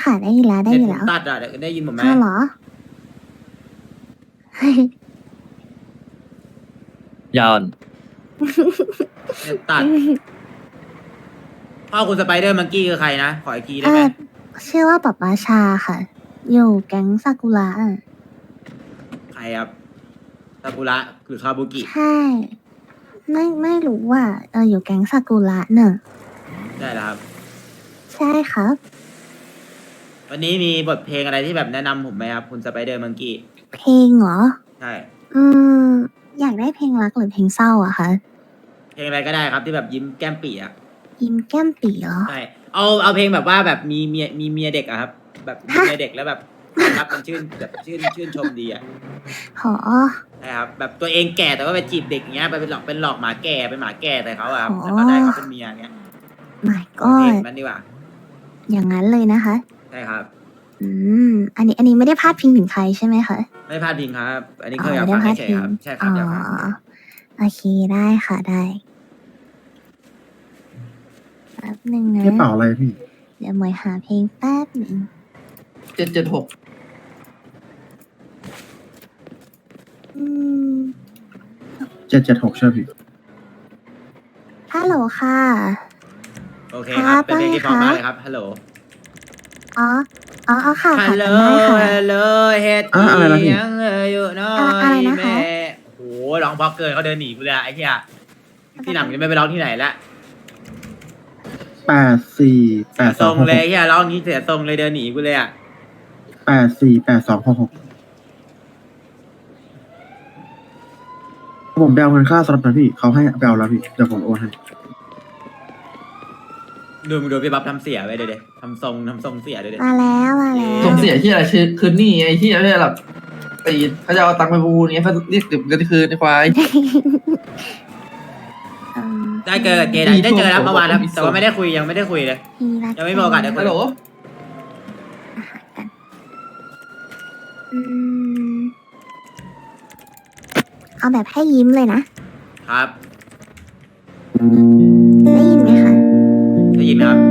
ค่ะได้ยินแล้วได้เน็ตยินผมแล้วตัดอ่ะได้ยินผมไหมอ้าวเหรอยาวเน็ตตัดพ่อคุณสไปเดอร์มังกี้คือใครนะขออีกทีได้เอไหมชื่อว่าป๊าป๊าชาค่ะ อยู่แก๊งซากุระอะใครครับซากุระหรือคาบุกิใช่ ไม่รู้ว่าอยู่แก๊งซากุระเนอะได้แล้วครับใช่ครับวันนี้มีบทเพลงอะไรที่แบบแนะนำผมไหมครับคุณสไปเดอร์มังกี้เพลงเหรอใช่อืม อยากได้เพลงรักหรือเพลงเศร้าอะคะเพลงอะไรก็ได้ครับที่แบบยิ้มแก้มปี่อ่ะยิ้มแก้มปีเหรอใช่เอาเพลงแบบว่าแบบมีเมียเด็กอะครับ แบบมีเมียเด็กแล้วแบบรักมันชื่นแบบชื่นชมดีอ่ะหอใช่ครับแบบตัวเองแก่แต่ว่าไปจีบเด็กอย่างเงี้ยไปเป็นหลอกหมาแก่เป็นหมาแก่แต่เขาอะครับอ๋อแล้วก็ได้เขาเป็นเมียอย่างเงี้ย my เพลง god มันดีกว่าอย่างนั้นเลยนะคะใช่ครับอืม อันนี้ไม่ได้พาดพิงถึงใครใช่ไหมคะไม่พลาดพิงครับ อันนี้อ๋เคยอยากไม่ฟัได้งพาดเฉยพิงๆครับใช่คอ๋รับออยากฟังโอเคได้ค่ะได้แป๊บหนึ่งนะกระเป๋าอะไรพี่เดี๋ยวหมวยหาเพลงแป๊บหนึ่ง 776 อืม 776ใช่พี่ฮัลโหลค่ะโอเคครับ เป็นเพลงที่เพครับราะมากเลยครับฮัลโหลอ๋อค่ะฮัค่ะลโหลจำได้ค่ะฮัลโหลเฮ็ดอะไรนะพี่ยังอยู่น้ออะไรยนะคะแม่โอ้โหร้องเพราะเกินเขาเดินหนีกูเลยอะไอ้เหี้ยที่หลังจะไม่ไปร้องที่ไหนละ 84 ทรงเลย 8266 เหี้ยร้องนี้เสียทรงเลยเดินหนีกูเลยอะ 84 8266ผมไปเอาเงินค่าสล็อตนะพี่ เขาให้ไปเอาแล้วพี่ เดี๋ยวผมโอนให้ดูพี่บ๊อบทำเสียไปเดี๋ยวทำทรงเสียเดี๋ยวมาแล้วมาแล้วส่งเสียที่อะไรคืนนี่ไอ้ที่อะไรแบบตีเขาจะเอาตังค์ไปบูนเงี้ยเขาเรียกเก็บเงินคืนในควายได้เจอเจได้เจอแล้วเมื่อวานแล้วแต่ว่าไม่ได้คุยยังไม่ได้คุยเลย ยังไม่มีโอกาสได้คุฮัยลโหลอืมเอาแบบให้ยิ้มเลยนะครับได้ยินไหมคะได้ยินไหมครับ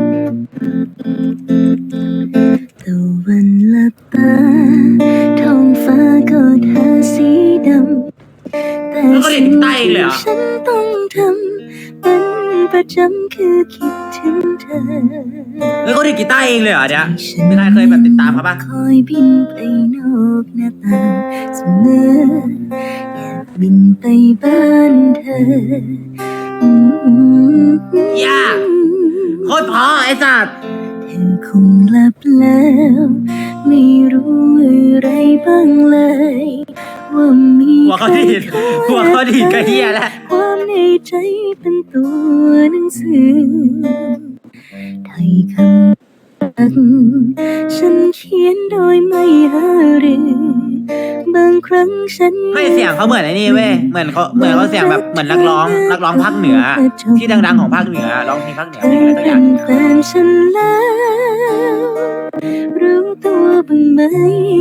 ตะวันลับตาท้องฟ้าก็ทาสีดำแต่แล้วก็เด็กใต้เองเลยเหรอฉันต้องทำเป็นประจำคือคิดถึงเธอเฮ้ยเขาดีดกีตาร์เองเลยเหรอเนี่ยมีใครเคยแบบติดตามเขาปะคอยบินไปนอกหน้าต่างเสมออยากบินไปบ้านเธออืมย่าโคตรเพอไอ้สัตว์เธอคงหลับแล้ว ไม่รู้อะไรบ้างเลย ว่ามีหัวเขาดีดกระเฮียแล้วความในใจเป็นตัวหนังสือไทยคำรักฉันเขียนโดยไม่หารือบางครั้งฉันไม่เสียงเขาเหมือนไอ้นี่เว้ยเหมือนเขาเสียงแบบเหมือนนักร้องภาคเหนือ ที่ดังๆของภาคเหนือร้องเพลงภาคเหนือเพลงอะไรสักอเป็ย่างนแฟนฉันแล้วรู้ตัวบ้างไหม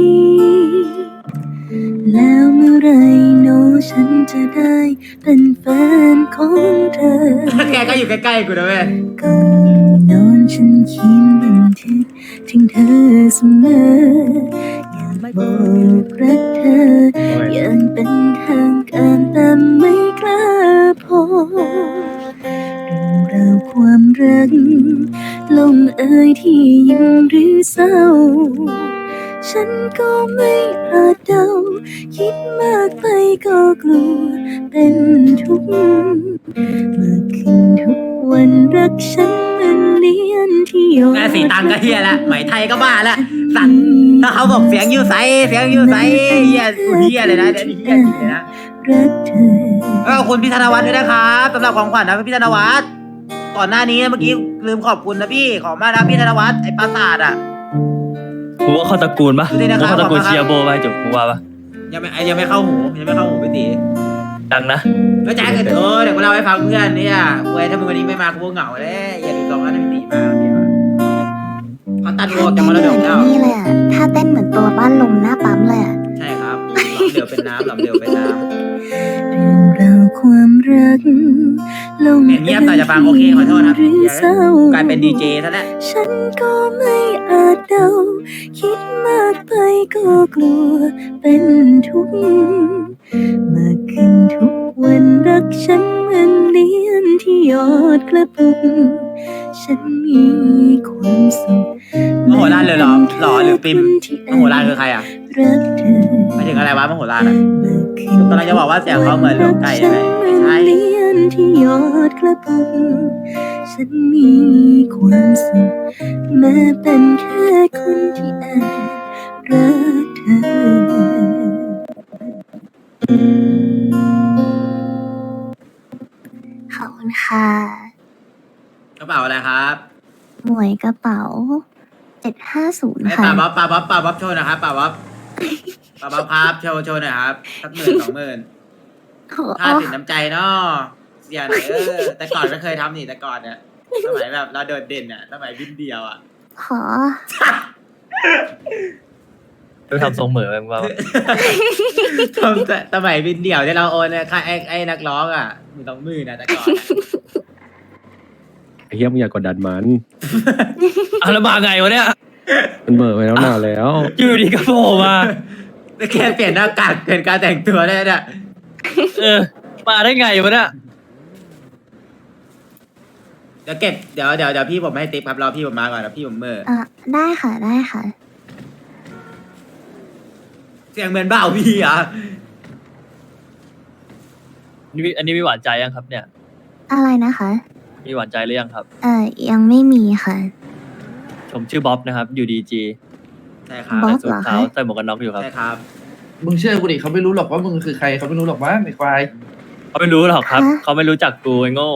แล้วเมื่อไรโนฉันจะได้เป็นแฟนของเธอแกก็อยู่ใกล้ๆกูนะเว้ยก่อนนอนฉันเขียนบันทึกถึงเธอเสมอ อยากบอกรักเธอ อย่างเป็นทางการแต่ไม่กล้าพอเรื่องราวความรักลงเอยที่ยิ้มหรือเศร้า ฉันก็ไม่อาจเดาคิดมากไปก็กลัวเป็นทุกข์เมื่อคืนทุกวันรักฉันเหมือนเลียนที่หยดแม่สีตังก็เฮียแล้วไหมไทยก็บ้าแล้วสัตว์ถ้าเขาบอกเสียงยูใสเฮียเฮียเลยนะเดี๋ยวนี้เฮียจริงเลยนะรักเธอขอบคุณพี่ธนวัฒน์ด้วยนะครับสำหรับของขวัญนะพี่ธนวัฒน์ก่อนหน้านี้เมื่อกี้ลืมขอบคุณนะพี่ขอบมากนะพี่ธนวัฒน์ไอ้ปราสาทอ่ะกูว่าเข้าตระกูลปะดูดินะครับกูเข้าตระกูลเชียร์โบไปจบกูว่าปะยังไม่เข้าหูพี่ตีดังนะแล้วแจ็คเดี๋ยวกูเล่าให้ฟังเพื่อนเนี่ยเว้ยถ้ามึงวันนี้ไม่มากูเหงาเลยอย่าลืมลองให้พี่ตีมาเดี๋ยวเขาตัดโลกจากมรดกแล้วนี่เลยอ่ะถ้าเต้นเหมือนตัวบ้านลมหน้าปั๊มเลยอ่ะใช่ครับหลอมเดียวเป็นน้ำเรื่องราวความรักลงเงียบๆหน่อยจะฟังโอเคขอโทษครับหรือเศร้ากลายเป็นดีเจซะแล้วฉันก็ไม่อาจเดาคิดมากไปก็กลัวเป็นทุกข์มากขึ้นทุกวันรักฉันเหมือนเลียนที่ยอดกระปุกฉันมีความสุขมโหฬารเลยเหรอหรอหรือปิมมโหฬารคือใครอ่ะรักเธอไม่ถึงอะไรวะมโหฬารอ่ะมากขึ้นกำลังจะบอกว่าเสียงเขาเหมือนลมไก่ใช่ไหมไม่ใช่เลียนที่ยอดกระปุกฉันมีความสุขแม้เป็นแค่คนที่แอบรักเธอขอบคุณค่ะกระเป๋าอะไรครับหมวยกระเป๋า 750 ไอ้ค่ะป่าบ๊อบโชว์หนะครับป่าบ๊อบครับโชว์หน่อยครับสัก10,000 20,000 โอ้ค่าสินน้ำใจเนาะเสียหน่อยแต่ก่อนไม่เคยทำนี่แต่ก่อนเนี่ยสมัยแบบเราโดดเด่นอ่ะสมัยบินเดียวอ่ะขอไปทำทรงเหมือนแบบว่าทำแต่สมัยบินเดี่ยวที่เราโอนเนี่ยค่าไอ้นักร้องอ่ะ20,000นะแต่ก่อนอะไอ้เฮียมึงอย่ากดดันมันอ่ะแล้วมาไงวะเนี่ยมันเบิกไปแล้วนานแล้วอยู่ดีก็โผล่มาแค่เปลี่ยนหน้ากากเปลี่ยนการแต่งตัวได้เนี่ยเออ มาได้ไงวะเนี่ยเดี๋ยวเก็บเดี๋ยวพี่ผมให้ติ๊บครับรอพี่ผมมาก่อนนะพี่ผมเมื่อได้ค่ะได้ค่ะเสียงเหมือนเบ้าพี่อ่ะอันนี้มีหวานใจยังครับ เนี่ยอะไรนะคะมีหวานใจหรือยังครับยังไม่มีค่ะผมชื่อบ๊อบนะครับ อยู่ดีจีใช่ครับบ๊อบสูทขาวใส่หมวกกันน็อกอยู่ครับใช่ครับมึงเชื่อกูดิเขาไม่รู้หรอกว่ามึงคือใครเขาไม่รู้หรอกว่าไอ้ควายเขาไม่รู้หรอกครับฮะเขาไม่รู้จักกูไอ้โง่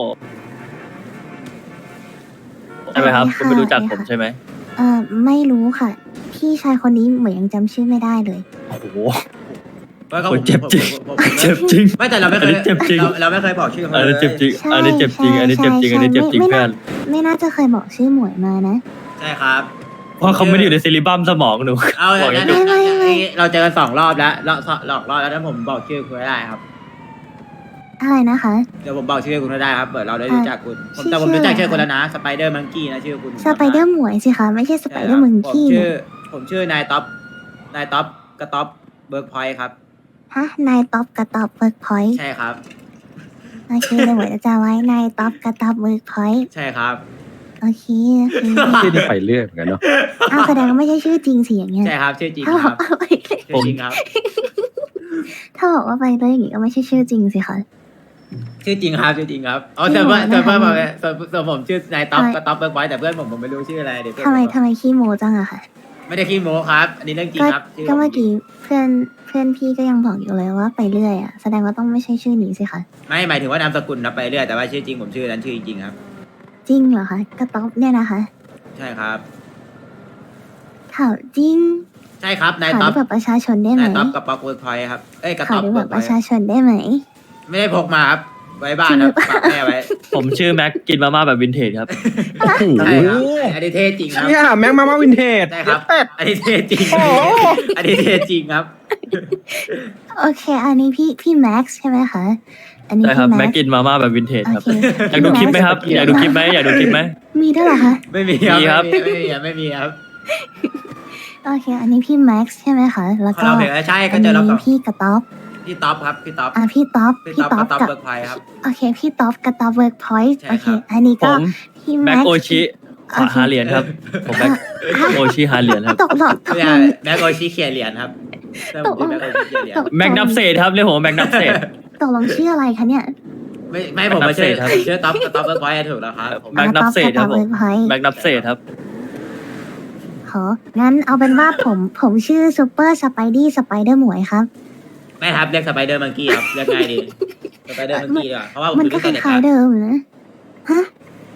ใช่ไหมครับใช่คุณไม่รู้จักค่ะผมใช่ไหมไม่รู้ค่ะ พี่ชายคนนี้เหมือนยังจำชื่อไม่ได้เลยโอ้โหว่าเขาโอ้ยเจ็บจริงผมเจ็บจริงไม่แต่เราไม่เคอันยนี้เจ็บจริงเราไม่เคยบอกชื่อเขาอันเลนี้ยเจ็บจริงใช่อันนี้เจ็บจริง อันนี้เจ็บจริง อันนี้เจ็บจริงไม่เพื่อนไม่น่าจะเคยบอกชื่อหมวยมานะใช่ครับเพราะเขาไม่ได้อยู่ในซิลิบัมสมองหนูเอาบอกแล้อย่าว งนี้ไม่เราเจอกัน2 รอบแล้วหลอกรอบแล้วถ้าผมบอกชื่อคุณไม่ได้ครับอะไรนะคะเดี๋ยวผมบอกชื่อคุณไม่ได้ครับเปิดเราได้รู้จักคุณผมชื่อแต่ผมรู้จักชื่ชื่ออคุณแล้วนะสไปเดอร์มังกี้นะชื่อคุณสไปเดอร์หมวยสิคะไม่ใช่สไปเดอร์มึงกี้ผมชื่อนายท็อปกระท็อปเบิร์กพอยต์ครับฮะนายท็อปกระตอบเบิร์กพอยต์ใช่ครับโอเคเลยหมวยจะไว้นายท็อปกระตอบเบิร์กพอยต์ใช่ครับโอเคโอเคที่นี่ไปเรื่อยเหมือนกันเนาะอ้าวแสดงว่าไม่ใช่ชื่อจริงสิอย่างเงี้ยใช่ครับชื่อจริงถ้าคบอรักบว่าไปเลยชื่อจริงครับถ้าบอกว่าไปเลยอย่างงี้ก็ไม่ใช่ชื่อจริงสิคะชื่อจริงครับชื่อจริงครับอ๋อชื่แต่อว่าหมวยแต่ว่านะคะส่วนผมชื่อนายท็อปทำไมกระท็อปเบิร์กพอยต์แต่เพื่อนผมไม่รู้ชื่ออะไรเดี๋ยวเพื่อนทำไมผมทำไมขี้โมจังอะค่ะไม่ได้ขี้โม้ครับ อันนี้เรื่องจริงก็ครับชื่ก็เมื่อกี้เพื่อนพี่ก็ยังบอกอยู่เลยว่าไปเรื่อยอะแสดงว่าต้องไม่ใช่ชื่อนี้สิคะไม่หมายถึงว่านามสกุลนับไปเรื่อยแต่ว่าชื่อจริงผมชื่อนั้นชื่อจริงๆครับจริงเหรอคะกระต๊อบเนี่ยนะคะใช่ครับข่าวจริงใช่ครับนายข่าวท็อปด้วยบัตรประชาชนได้ไหมนายท็อปกับป๊อกเวิร์กพอยต์ครับเอ้ยกระข่าท็วอปด้วยเวิบัร์ตกรพปอยระต์ชาชนได้ไหมไม่ได้พกมาครับไว้บ้านครับฝากแม่ไว้ผมชื่อแม็กกินมาม่าแบบวินเทจครับโอ้โหใช่ครับอันนี้เท่จริงครับเนี่ยแม็กมาวินเทจใช่ครับ อันนี้เท่จริง อันนี้เท่จริงครับโอเค อันนี้พี่แม็กซ์ใช่ไหมคะอันนี้ใช่ครับพี่แม็แม็กกซ์กินมาม่าแบบวินเทจโอครับเคอยากดูคลิปไหมครับ อยากดูคลิปไหมอยากดูคลิปไหมมีด้วยเหรอคะไม่มีครับมีครับไม่มีครับโอเค อันนี้พี่แม็กซ์ใช่ไหมคะแล้วเขาก็เราเพลงแล้วใช่ก็อันเจอเรานี้กับพี่กระต๊อบพี่ท็อปครับพี่ท็อปพี่ต๊อบพี่พี่ท็อปต๊อบกับท็อปกับเบิร์กพอยต์ครับโอเคพี่ต๊อบกระต๊อบเวิร์กพอยต์ใช่โอเคครับอันนี้ผก็มพี่แม็แม็กกซ์โอชิหาเหรียญครับ ผมแม็กโอชิหาเหรียญครับตกหลอดตกไม่ลใช่งแม็กโอชิเขียนเหรียญครับเริ่มผมชื่อแม็กโอชิเขียนเหรียญแม็กนับเศษครับเรียกผมว่าแม็กนับเศษตกลงชื่ออะไรคะเนี่ยไม่ผมมาชื่อครับผมชื่อท็อปกับท็อปเบิร์กพอยต์ถูกแล้วครับผมแม็กนับเศษครับผมต๊อบกะต๊อบ Workpoint แม็กนับเศษครับของั้นเอาเป็นว่าผมชื่อซูเปอร์สไปดี้สไปเดอร์หมวยครับไม่ครับเรียกสไปเดอร์มังกี้ครับเรียกง่ายดีสไปเดอร์มังกี้ดีกว่าเพราะว่าผมมันดูก็ตั้งคแต่เด็กล้ายๆนะเดิมนะฮะ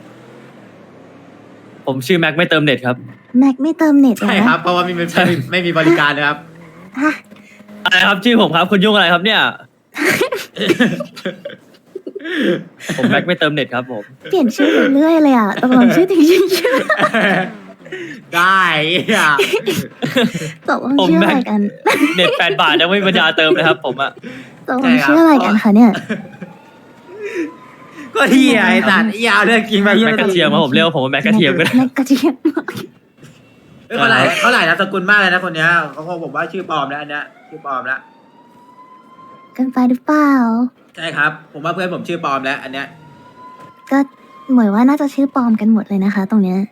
ผมชื่อแม็กไม่เติมเน็ตครับแม็กไม่เติมเน็ตเหรอใช่ครับเพราะว่าไม่มีบริการนะครับฮะอะไรครับชื่อผมครับ คุณยุ่งอะไรครับเนี่ย ผมแม็กไม่เติมเน็ตครับผมเปลี่ยนชื่อไปเรื่อยเลยอ่ะตกลงชื่อจริงชื่อได้อ่ะตกลงชื่ออะไรกันเน็ต8 บาทยังไม่มีปัญญาเติมเลยครับ ผมอะตกลงชื่ออะไรกันคะเนี่ยก็ก็ที่ไอ้สัตว์ยาวเรื่องจริงไปแม็กกระเทียมครับผมเรียกว่าผมว่าแม็กกระเทียมก็ได้แม็กกระเทียมเขาหลายนามสกุลมากเลยนะคนเนี้ยเขาผมว่าชื่อปลอมแล้วอันเนี้ยชื่อปลอมแล้วเกินไปหรือเปล่าใช่ครับ ผมว่าเพื่อนผมชื่อปลอมแล้ว อันเนี้ยก็เหมือนว่าน่าจะชื่อปลอมกันหมดเลยนะคะ ตรงเนี้ย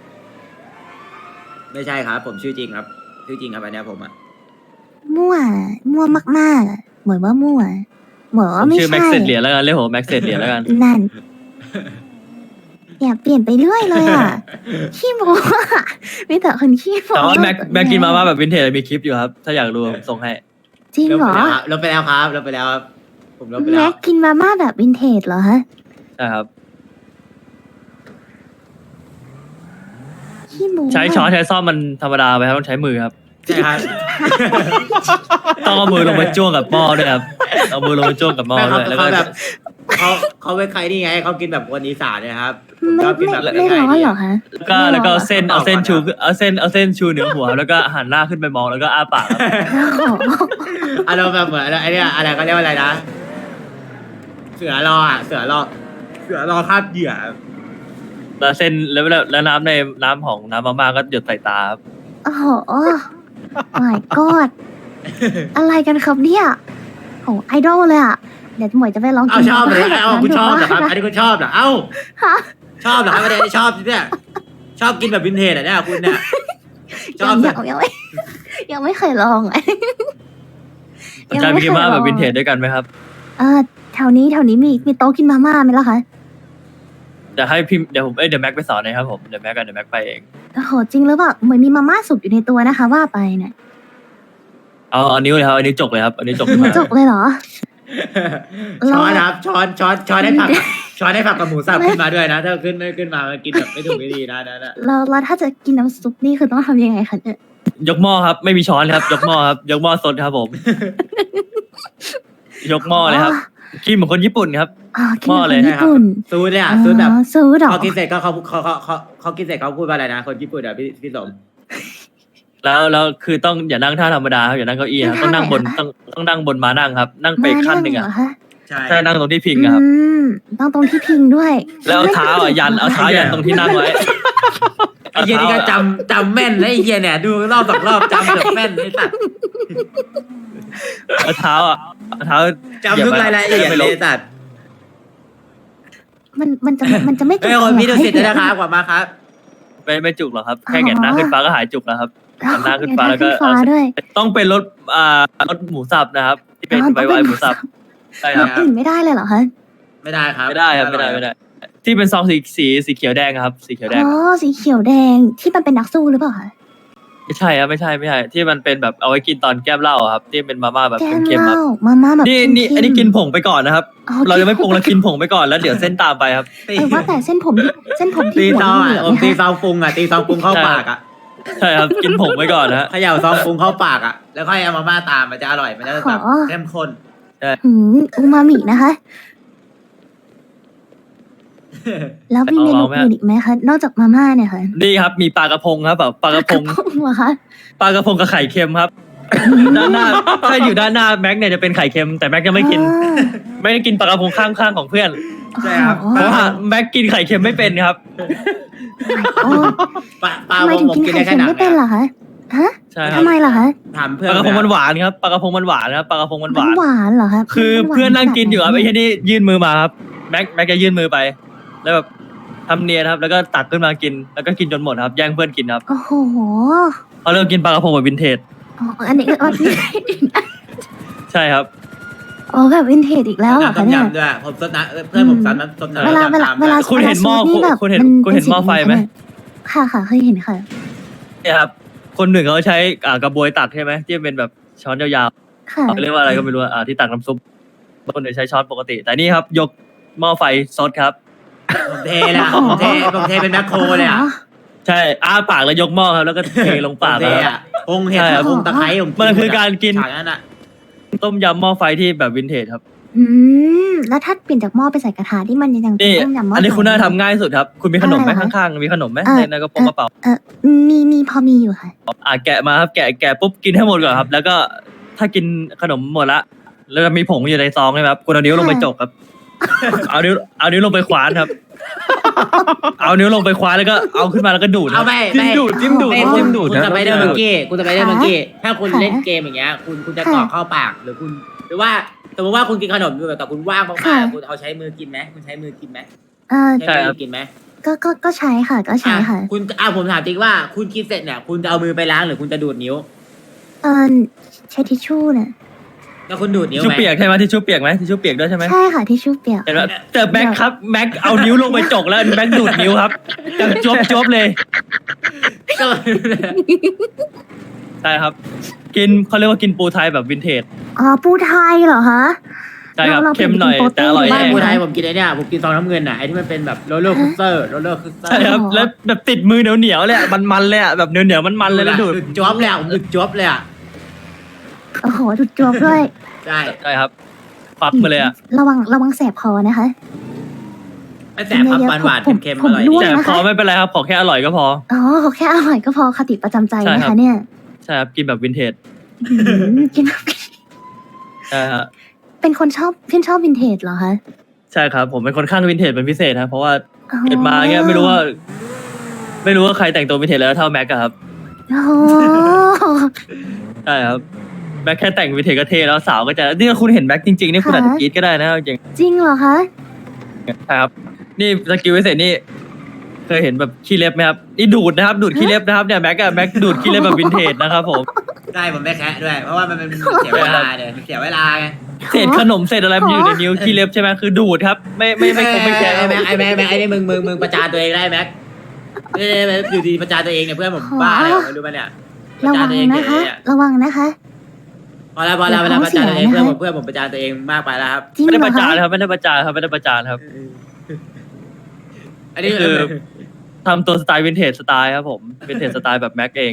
ไม่ใช่ครับ ผมชื่อจริงครับชื่อจริงครับอันเนี้ยผมอะมั่วมากๆอะเหมือนว่ามั่วเหมือนผว่าม ไม่ชื่อแม็ใช่กเซตเหรียญแล้วกันเรียกผมแม็กเซตเหรียญแล้วกันนั่นอย่าเปลี่ยนไปเรื่อยเลยอ่ะ ขี้โม้อะมีแต่คนขี้โม้แต่ว่าแม็กกินมาม่าแบบวินเทจมีคลิปอยู่ครับ ถ้าอยากรู้ผมส่งให้จริงเหรอลบไปแล้วครับลบไปแล้วครับผมลบไปแล้แม็วกกินมาม่าแบบวินเทจเหรอฮะใช่ครับขี้โม้ใช้ช้อนใช้ซ่อมมันธรรมดาไปครับต้องใช้มือครับใช่ครับต้องเอามือลงไปจ้วงกับหม้อด้วยครับเอามือลงไปจ้วงกับหม้อไม่ด้วยแล้วก็เขาแบบเขาเป็นใครนี่ไงเขากินแบบคนอีสานเนี่ยครับผมไม่ชอบกินแบบไม่ร้อนเหรอคะแล้วก็เอาเส้นเอาก่อนเอาเส้นชูเหนือหัว แล้วก็หันหน้าขึ้นไปมองแล้วก็อ้าปากครับโอ้โหอารมณ์แบบเหมือนไอ้เนี่ยอะไรเขาเรียกว่าอะไรนะ เสือรออ่ะเสือรอคาบเหยื่อแล้วเส้นแล้วน้ำในน้ำของน้ำมาม่าก็หยดใส่ตาครับโอ้โห my god อะไรกันครับเนี่ยโหไอดอลเลยอ่ะ เดี๋ยวหมวยจะไปลองเอากินชอบเลยแบบเอานั้นคุณดูชอบเหรอครับว่าอันนี้คุณชอบเหรอเอ้าฮะชอบเหรอครับไม่ได้ชอบเนี่ยชอบกินแบบวินเทจอ่ะเนี่ยคุณเนี่ยชอบยังไม่เคยลองอะสนใจไปกินมาม่าแบบวินเทจด้วยกันไหมครับแถวนี้มีโต๊ะกินมาม่าไหมล่ะคะเดี๋ยวให้พิมพ์เดี๋ยวผมเดี๋ยวแม็กไปสอนนะครับผมเดี๋ยวแม็กไปเองโอ้โหจริงหรือเปล่าเหมือนมีมาม่าสุกอยู่ในตัวนะคะ ว่าไปเนี่ยเอานิ้วเลยครับอันนี้จกเลยครับอันนี้จกขึ้นมาจกเลยเหรอช้อนครับช้อนให้ผักช้อนให้ผักกับหมูสับขึ้นมาด้วยนะถ้าขึ้นมามันกินแบบไม่ถูกไม่ดีนะนะแล้วถ้าจะกินน้ำซุปนี่คือต้องทำยังไงคะเนี่ยยกหม้อครับไม่มีช้อนครับ ยกหม้อครับยกหม้อสดครับผม ยกหม้อเลยครับกินเหมือนคนญี่ปุ่นครับอ๋อกินหม้อแบบเลยคนญี่ปุ่นซูดเนี่ยซูดแบบซูดเหรอเขากินเสร็จก็เขากินเสร็จเขาพูดว่าอะไรนะคนญี่ปุ่นอ่ะพี่สมแล้วคือต้องอย่านั่งท่าธรรมดาครับอย่านั่งเก้าอี้ครับต้องนั่งบนต้องนั่งบนมานั่งครับ นั่งไปอีกขั้นหนึ่งมาอ่ะเหรอคะใช่ใช่นั่งตรงที่พิงอะครับต้องตรงที่พิงด้วยแล้วเอาเท้าอ่ะยันเอาเท้ายันตรงที่นั่งไว้ไอ้เหี้ยนี่ก็จำแม่นนะไอ้เหี้ยเนี่ยดูรอบสองรอบจำเกือบแม่นไอ้สัตว์เอาเท้าอ่ะเอาเท้าจำทุกรายละเอียดเลยไอ้สัตว์มันจะไม่จุเฮ้ยคนพี่ดูสิทธิ์นะครับกว่ามาครับไม่จุกหรอกครับแค่แหงนหน้าขึ้นฟ้าก็หายจุกแล้วครับ หันหน้าขึ้นฟ้าแล้วก็ขึ้นฟ้าด้วยต้องเป็นรถรถหมูสับนะครับ ที่เป็นอ๋อไวๆหมูสับใช่ครรับถอื่นไม่ได้เลยเหรอคะไม่ได้ครับไม่ได้ครับไม่ได้ ที่เป็นซองสีเขียวแดงครับ สีเขียวแดอ๋งอสีเขียวแดงที่มันเป็นนักสู้หรือเปล่าคะไม่ใช่ครับไม่ใช่ที่มันเป็นแบบเอาไว้กินตอนแก้มเหล้าอะครับ ที่เป็นมาม่าแบบแกงเค็มเหๆคล้ารับมาม่าแบบนี่เค็มๆอันนี้กินผงไปก่อนนะครับอ๋อเรายังไม่ปรุงเรากินผงไปก่อนแล้วเดี๋ยวเส้นตามไปครับว่าแต่เส้นผมที่ตีหัวซองเหอ่ะลืองตีๆซนะคะองปรุงอ่ะตีซองปรุงเข้าปากอ่ะใช่ครับกินผงไปก่อนนะฮะเขย่าซองปรุงเข้าปากอ่ะแล้วค่อยเอามาม่าตามมันจะอร่อยมันจะแบบเข้มข้นอูมามินะคะ แล้วมีเมนูอื่นอีกไหมคะ นอกจากมาม่าเนี่ยค่ะนี่ครับมีปลากระพงครับแบบปลากระพงเหรอคะปลากระพงกับไข่เค็มครับ ด้านหน้าถ้าอยู่ด้านหน้าแม็กเนี่ยจะเป็นไข่เค็มแต่แม็กยังไม่กิน ไม่ได้กินปลากระพงข้างๆของเพื่อนใช่ครับเพราะว่าแม็กกินไข่เค็มไม่เป็นครับปลาทำไมวงถึงผมกินกินไข่ได้แค่เค็มหนังไม่เป็นเหรอคะฮะใช่ครับทำไมล่ะคะถามเพื่อปนลากระพงมันหวานครับปลากระพงมันหวานครับปลากระพงมันหวานหวานเหรอคะคือเพื่อนนั่งกินอยู่ครับไอ้แค่นี้ยื่นมือมาครับแม็กจะยื่นมือไป แล้วแบบทำเนียนครับแล้วก็ตักขึ้นมากินแล้วก็กินจนหมดครับแย่งเพื่อนกินครับโอ้โหเขาเริ่มกินปลากระพงแบบวินเทจอ๋ออันนี้ก็วินเทจใช่ครับอ๋อแบบวินเทจอีกแล้วเหรอต้คะมเนี่ยยำด้วยผมซดน้ำเพื่อนผมซดน้ำเวลาคุณเห็นหม้อซูปนี่แบบคุณเห็นมัคุณเห็นหม้อไฟไหมค่ะเคยเห็นค่ะเนี่ยครับคนหนึ่งเขาใช้กระบวยตักใช่ไหมที่เป็นแบบช้อนยาวค่ะๆเรียกว่าอะไรก็ไม่รู้ที่ตักน้ำซุปคนหนึ่งใช้ช้อนปกติ แต่นี่ครับยกหม้อไฟซดครับผมเทเลยอะผมเทเป็นแมคโครเลยอ่ะใช่อ้าปากแล้วยกหม้อครับแล้วก็เทลงปากผมเทครับอ่ะปรุงเห็ดใช่ครับปรุงตะไคร้ผมมันคือการกินฉากนั้นอ่ะต้มยำหม้อไฟที่แบบวินเทจครับแล้วถ้าเปลี่ยนจากหม้อไปใส่กระทะที่มันยังนี่ต้มยำหม้ออันนี้คุณน่าไฟทำง่ายสุดครับ คุณมีขนมไหมอะไรเหรอข้างๆมีขนมไหมเอ่อในกระเป๋ามีพอมีอยู่ค่ะแกะมาครับแกะปุ๊บกินให้หมดก่อนครับ แล้วก็ถ้ากินขนมหมดละแล้วมีผงอยู่ในซองใช่ไหมครับคุณเอานิ้วลงไปจกครับเอานิ้วลงไปคว้านครับ เอานิ้วลงไปคว้านแล้วก็เอาขึ้นมาแล้วก็ดูดคเอารับไม่จิ้มดูดจิ้มดูดไม่จิ้มดูดคุณนะสไปเดอร์มังกี้คุณสไปเดอร์มังกี้ถ้าคุณค่ะเล่นเกมอย่างเงี้ยคุณจะกรอกเข้าปากหรือคุณหรือว่าสมมติว่าคุณกินขนมอยู่แต่คุณว่างมากค่ะๆคุณเอาใช้มือกินไหมคุณใช้มือกินไหมใช่ใช้ครัมืบอกินไหมก็ใช้ค่ะก็ใช้ค่ะคุณผมถามจริงว่าคุณกินเสร็จเนี่ยคุณจะเอามือไปล้างหรือคุณจะดูดนิ้วใช้ทิชชู่น่ะแล้วคุณดูดนิ้วทิชชู่ไหมเปียกใช่ไหมทิชชู่เปียกไหมทิชชู่เปียกด้วยใช่ไหมใช่ค่ะทิชชู่เปียกเห็นไหมแต่แม็กครับแม็กเอานิ้วลงไปจกแล้วแม็กดูดนิ้วครับจังจบเลยก็ใช่ครับ กินเขาเรียกว่ากินปูไทยแบบวินเทจอ๋อปูไทยเหรอคะใช่ครับเราเค็มหน่อยเป็นโปรตีนแต่อร่อยบ้าแน่งผู้ไทยผมกินไอ้เนี่ยผมกินซองน้ำเงินอ่ะไอ้ที่มันเป็นแบบโรลเลอร์คูสเตอร์ใช่ครับแล้วแบบติดมือเหนียวเลยอะมันเลยอะแบบเหนียวมันเลยแล้วดูดจ๊อบเลยอ่ะผมดูดจ๊อบเลยอ่ะโอ้โหจุดจบด้วยใช่ใช่ครับปักมาเลยอะระวังแสบคอนะคะไม่แสบครับหวานๆเค็มๆอร่อยผมด้ดีวยแต่นะคะพอไม่เป็นไรครับขอแค่อร่อยก็พออ๋อแค่อร่อยก็พอคติประจำใจใช่นะครัคะบเนี่ยใช่ครับกินแบบวินเทจกินใช่ฮะเป็นคนชอบวินเทจเหรอคะใช่ครับผมเป็นคนข้างวินเทจเป็นพิเศษครับเพราะว่าอ๋อเกิดมาเงี้ยไม่รู้ว่าใครแต่งตัววินเทจแล้วเท่าแม็กอะครับโอ้โหใช่ครับแม็กแค่แต่งวินเทจก็เท่แล้วสาวก็จะนี่คุณเห็นแม็กจริงๆนี่คุณอาจจะกรี๊ดก็ได้นะจริงจริงเหรอคะใช่ครับนี่สกิลพิเศษนี่เคยเห็นแบบขี้เล็บไหมครับนี่ดูดนะครับดูดขี้เล็บนะครับเนี่ยแม็กดูดขี้เล็บแบบวินเทจนะครับผมได้ผมไม่แคะด้วย เพราะว่ามันเป็นเสียเวลาเนี่ยเสียเวลาไงเศษขนมเศษอะไรมันอยู่ในนิ้วขี้เล็บใช่ไหมคือดูดครับไม่คงไม่แคร์ไอ้แม็กไอ้นี่มึงประจานตัวเองได้แม็กอยู่ดีประจานตัวเองเนี่ยเพื่อนผมบ้าอะไรไม่รู้ป่ะเนี่ยประระจาวัน งตัวเองนะคะเนี่ยระวังนะคะพอแล้วเวลาประจานตัวเองเพื่อนผมประจานตัวเองมากไปแล้วครับจริงไม่เหได้รปอระจานคะครับไม่ได้ประจานครับไม่ได้ประจานครับอันนี้คือ ทำตัวสไตล์วินเทจสไตล์ครับผมวินเทจสไตล์แบบแม็กเอง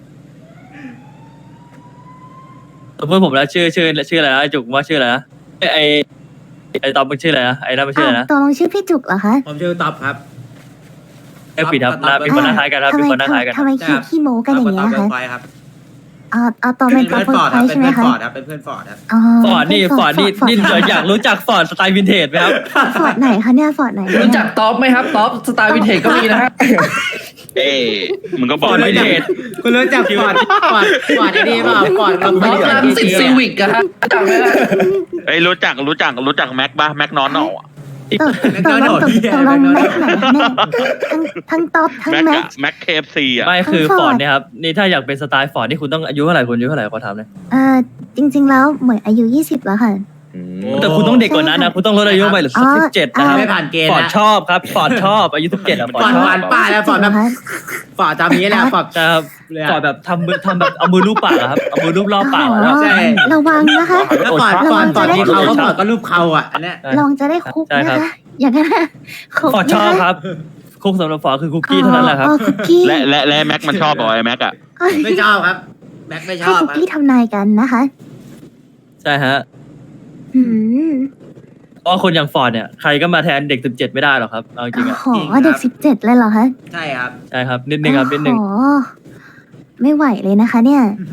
ตัวเพื่อนผมแล้วชื่ออะไรนะไอจุกว่าชื่ออะไรนะไอตอมมันชื่ออะไรนะไอ้นั่นมันชื่ออะไรนะตกลงชื่อพี่จุกเหรอคะผมชื่อต๊อบครับไอปิดครับมีคนหน้าคล้ายกันครับมีคนหน้าคล้ายกันทำไมขี้โม้กันอย่างเงี้ยต๊อบคะไฟครับเอาตอนเป็เป็น นเพื่อนตัวฟอร์ดไฟครับเป็นใช่ไหมเพื่อนคะฟอร์ดครับเป็นเพื่อนฟอร์ดครับฟอร์ดนี่อยากรู้จักฟอร์ดสไตล์วินเทจไหมครับฟอร์ดไหนคะเนี่ยฟอร์ดไหนรู้จักท็อปไหมครับท็อปสไตล์วินเทจก็มีนะฮะเอ้มึงก็บฟอกอร์ดไม่วินได้เทจคุณรู้จักฟอร์ดไอ้นี่เปล่าฟอร์ดกับท็อปรังสิตซีวิกอะฮะจำไหมล่ะเอ้ยรู้จักแม็กบ้าแม็กนอนอ่ะตกลงแม็กไหนเนี่ยทั้งท็อปทั้งแม็กแม็กอะแม็กเคฟซีอ่ะไม่คือฟฟออร์ร์ดดเนี่ยครับนี่ถ้าอยากเป็นสไตล์ฟอร์ดนี่คุณต้องอายุเท่าไหร่คุณอายุเท่าไหร่ขอถามเลยจริง ๆ แล้วเหมือนอายุ20แล้วค่ะแต่คุณต้องเด็กกว่านั้นนะคุณต้องลดอายุไปเหลืออ๋อ 17นะครับไม่ผ่านเกณฑ์ฟอร์ดนะชอบครับฟอร์ดชอบอายุ17อะฟอร์ดชฟออร์บดป้าแล้วฟอร์ดแบบ ฟอร์ดจำนี้แหละฟอร์ดใช่ครับเลยฟอร์ดแบบทำแบบเอามือลูบปากอะครับเอามือลูบรอบปากอะครับใช่ระวังนะคะแล้วฟอร์ดที่เขาก็ฟอร์ดก็รูปเขาอ่ะอันเนี้ยลองจะได้คุกใช่นะครับ คะ อย่างนั้นนะคุกฟอร์ดชอบครับคุกสำหรับฟอร์ดคือคุกกี้เท่านั้นแหละครับอ๋อคุกกี้และแม็กมันชอบบอกไอ้แม็กอ่ะไม่ชอบครับแม็กไม่ชให้อบคุกครับกี้ทำนายกันนะคะใช่ฮะอืมเพราะคนอย่างฟอร์ดเนี่ยใครก็มาแทนเด็ก17ไม่ได้หรอกครับเอาจริงๆอะโอ้โหเด็ก17เลยเหรอคะใช่ครับใช่ครับนิดนึงครับนิดนึงโอ้โหไม่ไหวเลยนะคะ เนี่ย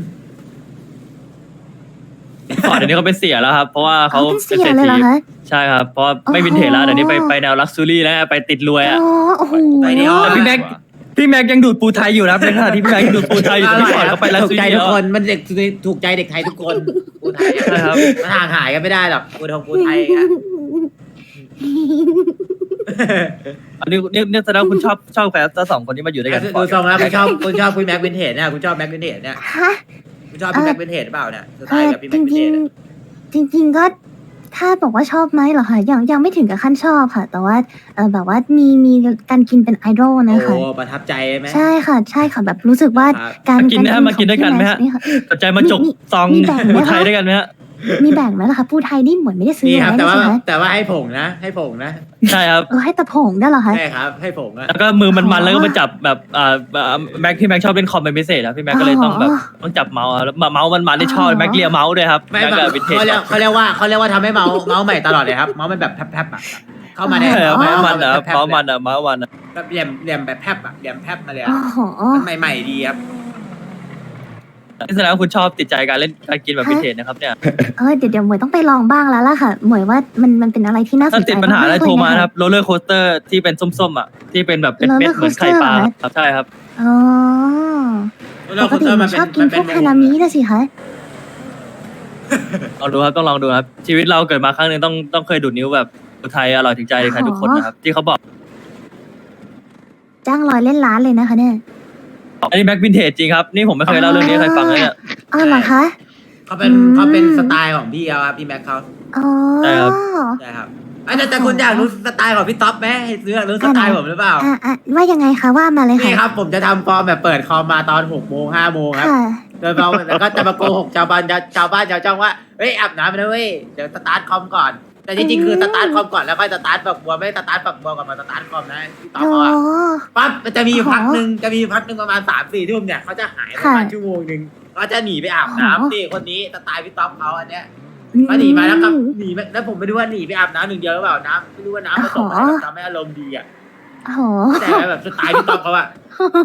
ฟอร์ดเดี๋ยวนี้เขาเป็นเสียแล้วครับเพราะว่าเขาเป็นเป็นเสียเศรษเลยเหรอฐีคะใช่ครับเพราะไม่วินเทจแล้วเดี๋ยวนี้ไปแนวลักซ์ซูรี่แล้วไปติดรวยอะโอ้โหไปเดียวแต่พี่แม็กยังดูดปูไทยอยู่นะครับในขณะที่พี่แม็กยังดูดปูไทยอยู่แต่พี่ฟอร์ดเขาไปลักซ์ถูซูกใจรี่ทุแล้กวคนมันเด็กถูกใจเด็กไทยทุกคนปูไทยใช่ครับมันห่างหายกันไม่ได้หรอกปูไทยอ่ะอันนี้แสดงว่าคุณชอบแฟนสองคนนี้มาอยู่ด้วยกันดูทรงแล้วคุณชอบคุณแม็กวินเทจเนี่ยคุณชอบแม็กวินเทจเนี่ยฮะคุณชอบพี่แม็กวินเทจเปล่าเนี่ยสไตล์กับพี่จแม็กวินริเทงจๆจริง ๆก็ถ้าบอกว่าชอบไหมเหรอคะยังไม่ถึงกับขั้นชอบค่ะ แต่ว่าแบบว่ามีการกินเป็นไอดอลนะคะโอ้ประทับใจไหมใช่ค่ะแบบรู้สึกว่าครับการมากินนะฮะมากินด้วยกันไหมฮะนี่ค่ะสนใจมาจกซองมีแบ่งไหมปูคะไทยด้วยกันไหมฮะมีแบ่งไหมล่ะคะปูไทยนี่เหมือนไม่ได้ซื้อนี่ครับไว้แต่ว่าใช่ไหมแต่ว่าให้ผงนะให้ผงนะใช่ครับให้ตะผงได้เหรอคะใช่ครับให้ผงนะแล้วก็มือมันแล้วก็มาจับแบบแม็กที่แม็กชอบเล่นคอมเป็นพิเศษครับพี่แม็กก็เลยต้องแบบต้องจับเมาส์อะแล้วเมาส์มันที่ชอบแม็กเลียเมาส์ด้วยครับไม่แม็กแบบกับวินเทจเขาเรียกว่าทำให้เมาส์ใหม่ตลอดเลยครับเมาส์มันแบบแพบๆอ่ะเข้ามาในใช่ครับเมาส์มันนะแพบๆเมาส์มันนะเมาส์มันนะแบบเหลี่ยมแบบแพบอ่ะเหลี่ยมแพบมาเลยโอ้อ่ะโหมันใหม่ๆดีครับนี่แสดงว่าคุณชอบติดใจการเล่นการกินแบบวินเทจนะครับเนี่ยเดี๋ยวหมวยต้องไปลองบ้างแล้วล่ะค่ะหมวยว่ามันเป็นอะไรที่น่าสถ้านใจติดปัญหาอะไรกๆโทรมาเลยนะครับโรลเลอร์โคสเตอร์ที่เป็นส้มๆอ่ะที่เป็นแบบเป็นเม็ด roller เหมือนไข่ปลา coaster ครับใช่ครับอ๋อแล้วปกติหมวยชอบกินพวกฮานามินะสิคะลองดูครับต้องลองดูครับชีวิตเราเกิดมาครั้งหนึ่งต้องเคยดูดนิ้วแบบอุทัยอร่อยถึงใจใครทุกคนนะครับที่เขาบอกจ้าง100เล่นล้านเลยนะคะเนี่ยอันนี้แบ็ควินเทจจริงครับนี่ผมไม่เคยเล่าเรื่องนี้ให้ใครฟังเลยเนี่ยอ๋อเหรอคะเขาเป็นสไตล์ของพี่เขาครับพี่แม็กเขาอ๋อใช่ครับใช่ครับแต่คุณอยากรู้สไตล์ของพี่ท็อปไหมอยากรู้สไตล์ผมหรือเปล่าว่ายังไงคะว่ามาเลยนี่ค่ะครับผมจะทำฟอร์มแบบเปิดคอมมาตอน6 โมง 5 โมงครับค่ะโดยเราแล้วก็จะมาโกหกชาวบ้านชาวช่องว่าเฮ้ยอาบน้ำนะเว้ยเดี๋ยวสตาร์ทคอมก่อน แต่จริงๆคือสตาร์ทคอมก่อนแล้วค่อยสตาร์ทฝักบัวไม่สตาร์ทฝักบัวก่อนมาสตาร์ทคอมนะพี่ต๊อกโอ้เขาอะปั๊บมันจะมีพักหนึ่งประมาณ3-4 ทุ่มเนี่ยเขาจะหายประมาณชั่วโมงหนึ่งก็จะหนีไปอาบน้ำนี่คนนี้สไตล์พี่ต๊อกเขาอันเนี้ยก็หนีมาแล้วก็หนีแล้วผมไม่รู้ว่าหนีไปอาบน้ำหนึ่งเดียวหรือเปล่าน้ำไม่รู้ว่าน้ำผสมอะไรแบบทำให้อารมณ์ดีอ่ะโอ้โหแต่แบบสไตล์พี่ต๊อกเขาอะ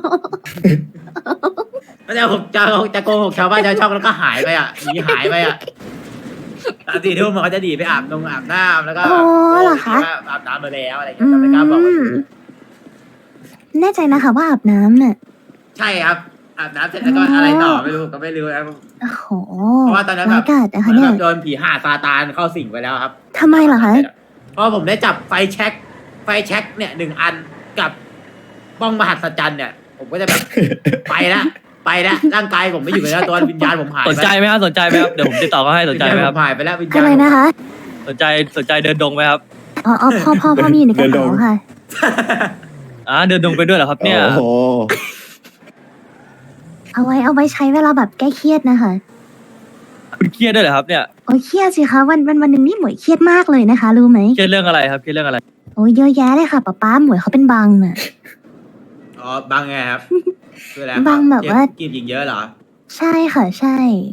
แล้วแต่ผมจะโกหกชาวบ้านชาวช่องแล้วก็หายไปอ่ะหนีหายไปอ่ะ3-4 ทุ่มเขาจะหนีไปอาบน้ำแล้วก็โอ้เหรอคะอาบน้ำมาแล้วอะไรเงี้ยแต่ไม่กล้าบอกว่าแน่ใจนะคะว่าอาบน้ำเนี่ยใช่ครับอาบน้ำเสร็จแล้วก็อะไรต่อไม่รู้ก็ไม่รู้นะโอ้โหเพราะว่าตอนนั้นแบบร้ายกาจนะคะเหมือนเนี่แบยบโดนผีห่าซาตานเข้าสิงไปแล้วครับทำไมเหรอคะเพราะผมได้จับไฟแช็กเนี่ย1 อันกับบ้องมหัศจรรย์เนี่ย ผมก็จะแบบ ไปละร่างกายผมไม่อยู่แล้วตัววิญญาณผมหายสนใจไหมครับสนใจไหมครับเดี๋ยวผมติดต่อเขาให้สนใจไหมครับหายไปแล้ววิญญาณอะไรนะคะสนใจเดินดงไหมครับอ๋อพ่อมีอยู่ในกระเป๋าค่ะเดินดงไปด้วยเหรอครับเนี่ยโอ้โหเอาไว้ใช้เวลาแบบแก้เครียดนะคะคุณเครียดด้วยเหรอครับเนี่ยโอ้ยเครียดสิคะวันหนึ่งนี่หมวยเครียดมากเลยนะคะ รู้ไหมเครียดเรื่องอะไรครับเครียดเรื่องอะไรโอ้ยเยอะแยะเลยค่ะป๊าหมวยเขาเป็นบังน่ะอ๋อบางไงครับคืออะไรบางแบบว่ากินหญิงเยอะเหรอใช่ค่ะใช่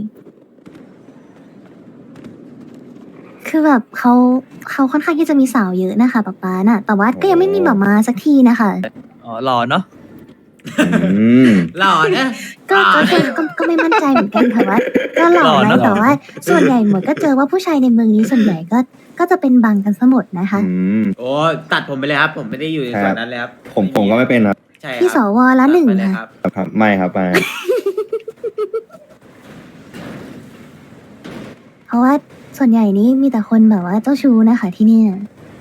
คือแบบเขาค่อนข้างที่จะมีสาวเยอะนะคะป๊าน่ะ แต่ว่าก็ยังไม่มีแบบมาสักทีนะคะอ๋อหล่อเนาะหล่อเนี่ยก็ไม่มั่นใจเหมือนกันค่ะว่าก็หล่อนะแต่ว่าส่วนใหญ่หมดก็เจอว่าผู้ชายในเมืองนี้ส่วนใหญ่ก็จะเป็นบังกันซะหมดนะคะโอ้ตัดผมไปเลยครับ ผมไม่ได้อยู่ในส่วนนั้นเลยครับผมก็ไม่เป็นครับใช่ครับพี่สวละหนึ่งตัดไปเลยค่ะรับครับไม่ครับไม่เพราะว่าส่วนใหญ่นี้มีแต่คนแบบว่าเจ้าชู้นะคะที่เนี่ย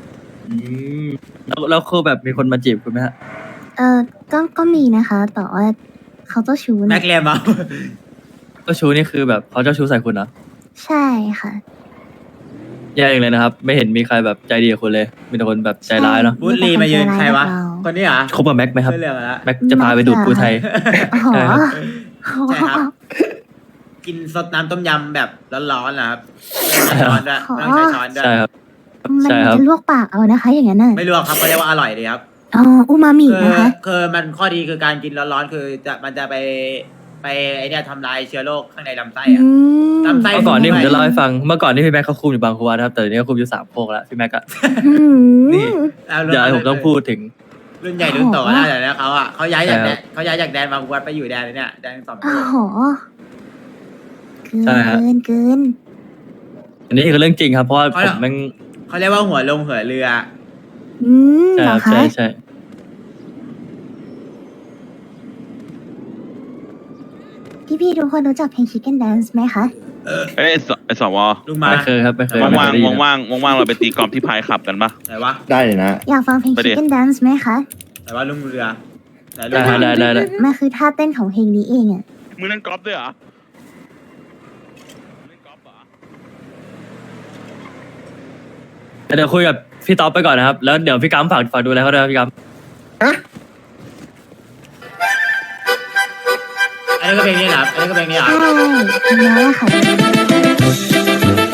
แล้วคือแบบมีคนมาจีบคุณไหมฮะก็มีนะคะ แต่ว่าเขาเจ้าชู้แม็นะกเลียมอ่ะเจ้าชู้นี่คือแบบเขาเจ้าชู้ใส่คุณนะใช่ค่ะแย่เองเลยนะครับ ไม่เห็นมีใครแบบใจดีกับคุณเลย มีแต่คนแบบใจร้ายเนาะบูลลีมายืนใครวะ คนนี้เหรอคบกับแม็กไหมครับไม่เรื่องละแม็กจะพาไปดูดปูไทยอ๋อใช่ครับใช่ครับ กินสดน้ำต้มยำแบบร้อนๆนะครับช้อนด้วยต้องใช้ช้อนด้วยใช่ครับมันใช่ครับจะลวกปากเอานะคะ อย่างนั้นน่ะไม่ลวกครับเขาเรียกว่าอร่อยดีครับอ๋ออูมามินะคะคือมันข้อดีคือการกินร้อนๆคือมันจะไปไอเนี่ยทำลายเชื้อโรคข้างในลำไส้อะ ลำไส้เมื่อก่อนนี่ผมจะเล่าให้ฟัง เมื่อก่อนที่พี่แม็กเขาคุมอยู่บางขวานะครับ แต่เดี๋ยวนี้เขาคุมอยู่3 โคกแล้วพี่แม็กอะ นี่ เดี๋ยวผมต้องพูดถึงรุ่นใหญ่รุ่นโตแล้วแต่เขาอ่ะเขาย้ายจากแดนบางวัดไปอยู่แดนเนี่ยแดนสองโอ้โหใช่ฮะเกินอันนี้คือเรื่องจริงครับ เพราะว่าผมแม่งเขาเรียกว่าหัวลงหัวเรือใช่เหรคอรับคะใช่พี่ทุกคนรู้จักเพลง Chicken Dance ไหมคะเอ้ยไอสวลุงมาไม่เคยครับไม่เคยว่างไม่เคยได้ยินๆว่างๆว่างๆเราไปตีกอล์ฟที่พายขับกันปะไหนวะได้เลยนะอยากฟังเพลงไปดิไ Chicken Dance ไหมคะไหนว่าลุงเรือไหนลุได้งฮะได้มันคือท่าเต้นของเพลงนี้เองอะมึงเล่นกอล์ฟด้วยเหรอเล่นกอล์ฟเหรอเดี๋ยวคุยกับพี่ต๊อปไปก่อนนะครับ แล้วเดี๋ยวพี่กัมฝากดูแลเขาด้วยครับพี่กัมอันนี้ก็เพลงนี้เหรออันนี้ก็เพลงนี้เหรอใช่เพลงนี้แหละค่ะ